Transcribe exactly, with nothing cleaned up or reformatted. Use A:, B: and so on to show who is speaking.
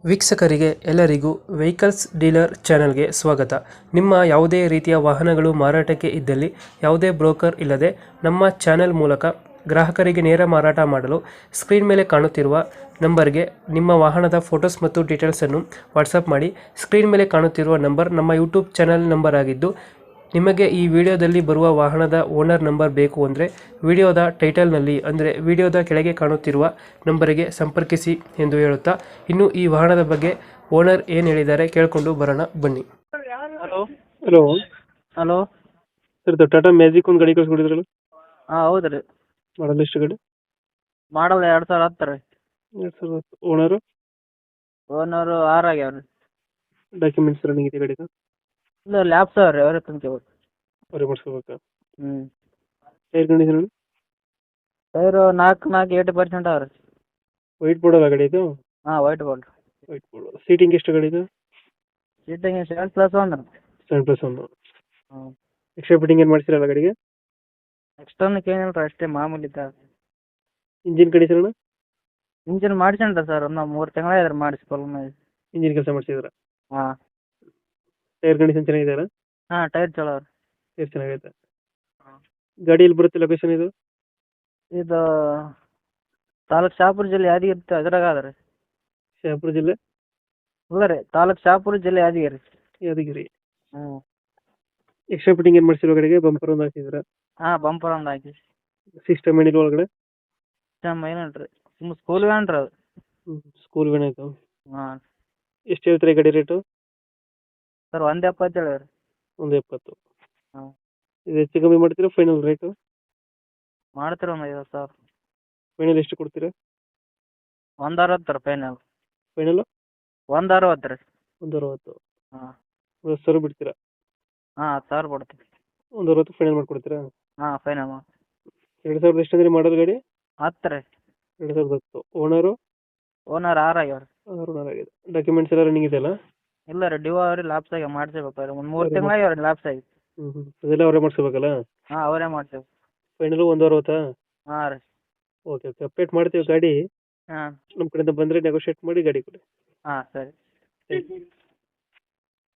A: ವೀಕ್ಷಕರಿಗೆ ಎಲ್ಲರಿಗೂ vehicles dealer ಚಾನೆಲ್ಗೆ ಸ್ವಾಗತ. ನಿಮ್ಮ ಯಾವುದೇ ರೀತಿಯ ವಾಹನಗಳು ಮಾರಾಟಕ್ಕೆ ಇದ್ದಲ್ಲಿ ಯಾವುದೇ ಬ್ರೋಕರ್ ಇಲ್ಲದೆ ನಮ್ಮ ಚಾನೆಲ್ ಮೂಲಕ ಗ್ರಾಹಕರಿಗೆ ನೇರ ಮಾರಾಟ ಮಾಡಲು ಸ್ಕ್ರೀನ್ ಮೇಲೆ ಕಾಣುತ್ತಿರುವ ನಂಬರ್ಗೆ ನಿಮ್ಮ ವಾಹನದ ಫೋಟೋಸ್ ಮತ್ತು ಡೀಟೇಲ್ಸನ್ನು ವಾಟ್ಸಪ್ ಮಾಡಿ. ಸ್ಕ್ರೀನ್ ಮೇಲೆ ಕಾಣುತ್ತಿರುವ ನಂಬರ್ ನಮ್ಮ ಯೂಟ್ಯೂಬ್ ಚಾನೆಲ್ ನಂಬರ್ ಆಗಿದ್ದು, ನಿಮಗೆ ಈ ವಿಡಿಯೋದಲ್ಲಿ ಬರುವ ವಾಹನದ ಓನರ್ ನಂಬರ್ ಬೇಕು ಅಂದರೆ ವಿಡಿಯೋದ ಟೈಟಲ್ನಲ್ಲಿ ಅಂದರೆ ವಿಡಿಯೋದ ಕೆಳಗೆ ಕಾಣುತ್ತಿರುವ ನಂಬರಿಗೆ ಸಂಪರ್ಕಿಸಿ ಎಂದು ಹೇಳುತ್ತಾ, ಇನ್ನು ಈ ವಾಹನದ ಬಗ್ಗೆ ಓನರ್ ಏನು ಹೇಳಿದ್ದಾರೆ ಕೇಳಿಕೊಂಡು ಬರೋಣ ಬನ್ನಿ.
B: ಹಲೋ
A: ಹಲೋ
B: ಹಲೋ
A: ಸರ್, ಇದು ಟಾಟಾ ಮ್ಯಾಜಿಕ್ ಒಂದು ಗಾಡಿ ಕಳಿಸ್ಕೊಡಿದ್ರಲ್ಲ,
B: ಹಾಂ ಹೌದು ರೀ.
A: ಮಾಡಲ್ ಎಷ್ಟು ಗಾಡಿ?
B: ಮಾಡಲ್ ಎರಡು ಸಾವಿರ ಹತ್ತು ರೀ.
A: ಎರಡು ಸಾವಿರದ ಹತ್ತು. ಓನರು?
B: ಓನರು ಆರು ಆಗ್ಯಾವ ರೀ.
A: ಡಾಕ್ಯುಮೆಂಟ್ಸ್ ರನ್ನಿಂಗ್ ಇದೆ ಗಾಡಿದು?
B: ಇಲ್ಲ ಲ್ಯಾಬ್ಸ್ ಅವ ರೀ, ಅವರೇ ತುಂಬ್ಕೆ
A: ಅವರೇ ಮಾಡಿಸ್ಕೋಬೇಕಾ?
B: ಹ್ಞೂ.
A: Tyre condition?
B: ಟೈರು ನಾಲ್ಕು ನಾಲ್ಕು ಏಯ್ಟಿ ಪರ್ಸೆಂಟ್ ಅವ ರೀ.
A: ವೈಟ್ ಬೋರ್ಡ್ ಅಲ್ಲ ಗಾಡಿ ಇದು?
B: ಹಾಂ white bold.
A: White board. Seating ಎಷ್ಟು ಗಾಡಿ ಇದು?
B: ಸೀಟಿಂಗ್ ಸೆವೆನ್ ಪ್ಲಸ್ ಒನ್ ರೀ.
A: ಸೆವೆನ್ ಪ್ಲಸ್ ಒಂದು.
B: ಹ್ಞೂ.
A: ಎಕ್ಸ್ಟ್ರಾ ಫಿಟ್ಟಿಂಗ್ ಏನು ಮಾಡ್ಸಿರಲ್ಲ ಗಾಡಿಗೆ?
B: ಎಕ್ಸ್ಟರ್ನಕ್ಕೆ ಏನಿಲ್ಲ ರೀ, ಅಷ್ಟೇ ಮಾಮೂಲಿ ಇದ್ದ.
A: Engine condition?
B: ಇಂಜಿನ್ ಮಾಡಿಸ್ಕೊಂಡ್ರೆ ಸರ್, ಒಂದು ಮೂರು ತಿಂಗಳಾಯ್ತು ರೀ ಮಾಡಿಸಿ ಫುಲ್.
A: ಇಂಜಿನ್ ಕೆಲಸ ಮಾಡಿಸಿದ್ರ?
B: ಹಾಂ.
A: ಟೈರ್ ಕಂಡೀಷನ್ ಚೆನ್ನಾಗಿದೆಯಲ್ಲ?
B: ಹಾಂ ಟೈರ್ ಚಲೋ ರೀ.
A: ಟೈರ್ ಚೆನ್ನಾಗೈತೆ.
B: ಹಾಂ.
A: ಗಾಡಿ ಎಲ್ಲಿ ಬರುತ್ತೆ ಲೊಕೇಶನ್ ಇದು?
B: ಇದು ತಾಲೂಕು ಶಾಪುರ ಜಿಲ್ಲೆ ಯಾದಗಿರಿ ಅದ್ರಾಗ ಅದ ರೀ.
A: ಶಹಾಪುರ ಜಿಲ್ಲೆ?
B: ಇಲ್ಲ ರೀ, ತಾಲೂಕು ಶಾಪುರ ಜಿಲ್ಲೆ ಯಾದಗಿರಿ.
A: ಯಾದಗಿರಿ.
B: ಹ್ಞೂ.
A: ಎಕ್ಸ್ಟ್ರಾ ಫಿಟ್ಟಿಂಗ್ ಏನು ಮಾಡಿಸಿರೋ ಗಾಡಿಗೆ? ಬಂಪರ್ ಒಂದು ಹಾಕಿದ್ರ?
B: ಹಾಂ ಬಂಪರ್ ಒಂದು ಹಾಕಿ.
A: ಸಿಸ್ಟಮ್ ಏನಿಲ್ಲ ಒಳಗಡೆ?
B: ಸಿಸ್ಟಮ್ ಏನಿಲ್ಲ ರೀ, ಸುಮ್ಮ ಸ್ಕೂಲ್ ವ್ಯಾನ್ ರೀ ಅದು.
A: ಹ್ಞೂ, ಸ್ಕೂಲ್ ವೇನ್ ಆಯಿತು.
B: ಹಾಂ.
A: ಎಷ್ಟು ಹೇಳ್ತೀರಿ ಗಾಡಿ ರೇಟು?
B: ಸರ್ ಒಂದು ಎಪ್ಪತ್ತು ಹೇಳಿ ರೀ.
A: ಒಂದು ಎಪ್ಪತ್ತು.
B: ಹಾಂ.
A: ಇದು ಹೆಚ್ಚು ಕಮ್ಮಿ ಮಾಡ್ತೀರಾ ಫೈನಲ್ ರೇಟು?
B: ಮಾಡ್ತೀರ ಒಂದು ಐವತ್ತು ಸಾವಿರ.
A: ಫೈನಲ್ ಎಷ್ಟು ಕೊಡ್ತೀರಾ?
B: ಒಂದು ಅರವತ್ತು ರೀ ಫೈನಲ್.
A: ಫೈನಲ್
B: ಒಂದು ಅರವತ್ತು ರೀ.
A: ಒಂದು ಅರವತ್ತು.
B: ಹಾಂ.
A: ಒಂದು ಹತ್ತು ಸಾವಿರ ಬಿಡ್ತೀರಾ?
B: ಹಾಂ ಹತ್ತು ಸಾವಿರ ಕೊಡ್ತೀವಿ.
A: ಒಂದು ಅರವತ್ತು ಫೈನಲ್ ಮಾಡ್ಕೊಡ್ತೀರಾ?
B: ಹಾಂ ಫೈನಲ್ ಮಾಡಿ.
A: ಎರಡು ಸಾವಿರದ ಎಷ್ಟು ಅಂದರೆ ಮಾಡೋದು ಗಾಡಿ?
B: ಹತ್ತು ರೀ.
A: ಎರಡು ಸಾವಿರದ ಹತ್ತು. ಓನರು?
B: ಓನರ್ ಆರು ಆಗ್ಯಾವ ರೀ.
A: ಆರು ಓನರ್ ಆಗಿದೆ. ಡಾಕ್ಯುಮೆಂಟ್ಸ್ ಎಲ್ಲ ರನ್ನಿಂಗ್ ಇದೆಯಲ್ಲ?
B: ಇಲ್ಲ ರೀ, ಡ್ಯೂ ಅವ್ರಿ ಲ್ಯಾಬ್ಸ್ ಆಗಿ ಮಾಡಿಸ್ಬೇಕು ರೀ. ಒಂದು ಮೂರು ತಿಂಗಳು ಆಗ್ಯಾವ ರೀ ಲ್ಯಾಬ್ಸ್ ಆಗಿ.
A: ಹ್ಞೂ ಹ್ಞೂ ಅದೆಲ್ಲ ಅವರೇ ಮಾಡಿಸ್ಕೋಬೇಕಲ್ಲ?
B: ಹಾಂ ಅವರೇ ಮಾಡ್ತೇವೆ.
A: ಫೈನಲು ಒಂದು ಅರವತ್ತಾ?
B: ಹಾಂ ರೀ.
A: ಓಕೆ ಓಕೆ ಅಪ್ಡೇಟ್ ಮಾಡ್ತೀವಿ ಗಾಡಿ.
B: ಹಾಂ.
A: ನಮ್ಮ ಕಡೆಯಿಂದ ಬಂದರೆ ನೆಗೋಷಿಯೇಟ್ ಮಾಡಿ ಗಾಡಿ ಕೊಡಿ.
B: ಹಾಂ ಸರಿ.
A: Thank you.